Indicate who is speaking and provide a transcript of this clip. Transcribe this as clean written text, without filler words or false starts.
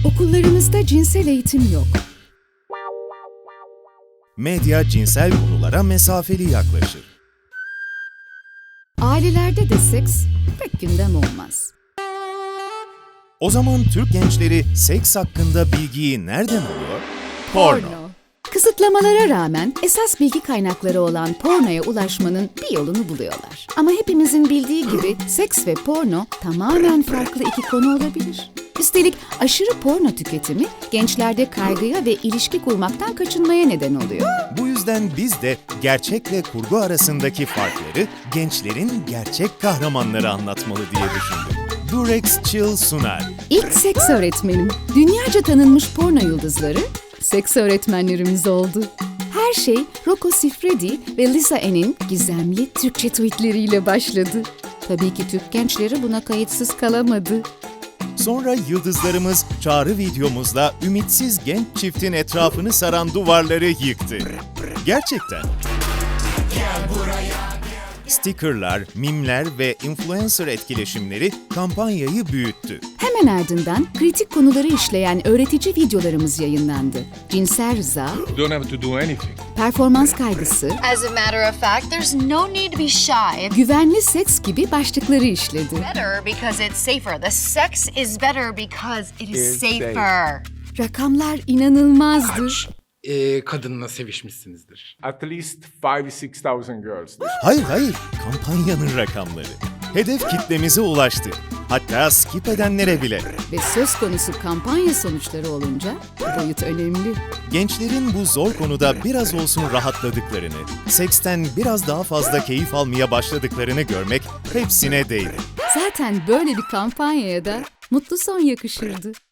Speaker 1: Okullarımızda cinsel eğitim yok.
Speaker 2: Medya cinsel konulara mesafeli yaklaşır.
Speaker 1: Ailelerde de seks pek gündem olmaz.
Speaker 2: O zaman Türk gençleri seks hakkında bilgiyi nereden alıyor? Porno.
Speaker 1: Kısıtlamalara rağmen esas bilgi kaynakları olan pornoya ulaşmanın bir yolunu buluyorlar. Ama hepimizin bildiği gibi seks ve porno tamamen farklı iki konu olabilir. Üstelik aşırı porno tüketimi gençlerde kaygıya ve ilişki kurmaktan kaçınmaya neden oluyor.
Speaker 2: Bu yüzden biz de gerçekle kurgu arasındaki farkları gençlerin gerçek kahramanları anlatmalı diye düşündük. Durex Chill sunar.
Speaker 1: İlk seks öğretmenim, dünyaca tanınmış porno yıldızları seks öğretmenlerimiz oldu. Her şey Rocco Siffredi ve Lisa Ann'in gizemli Türkçe tweetleriyle başladı. Tabii ki Türk gençleri buna kayıtsız kalamadı.
Speaker 2: Sonra yıldızlarımız çağrı videomuzla ümitsiz genç çiftin etrafını saran duvarları yıktı. Gerçekten. Stickerlar, mimler ve influencer etkileşimleri kampanyayı büyüttü.
Speaker 1: Hemen ardından kritik konuları işleyen öğretici videolarımız yayınlandı. Cinsel rıza,
Speaker 3: You don't have to do anything.
Speaker 1: performans kaygısı,
Speaker 4: As a matter of fact, there's no need to be shy. It's
Speaker 1: güvenli seks gibi başlıkları işledi.
Speaker 4: better because it's safer. The sex is better because it is
Speaker 3: It's safe.
Speaker 4: safer.
Speaker 1: Rakamlar inanılmazdı.
Speaker 5: Kadınla sevişmişsinizdir.
Speaker 3: At least 5,000-6,000 girls.
Speaker 2: Hayır, kampanyanın rakamları. Hedef kitlemize ulaştı. Hatta skip edenlere bile.
Speaker 1: Ve söz konusu kampanya sonuçları olunca boyut önemli.
Speaker 2: Gençlerin bu zor konuda biraz olsun rahatladıklarını, seksten biraz daha fazla keyif almaya başladıklarını görmek hepsine değdi.
Speaker 1: Zaten böyle bir kampanyaya da mutlu son yakışırdı.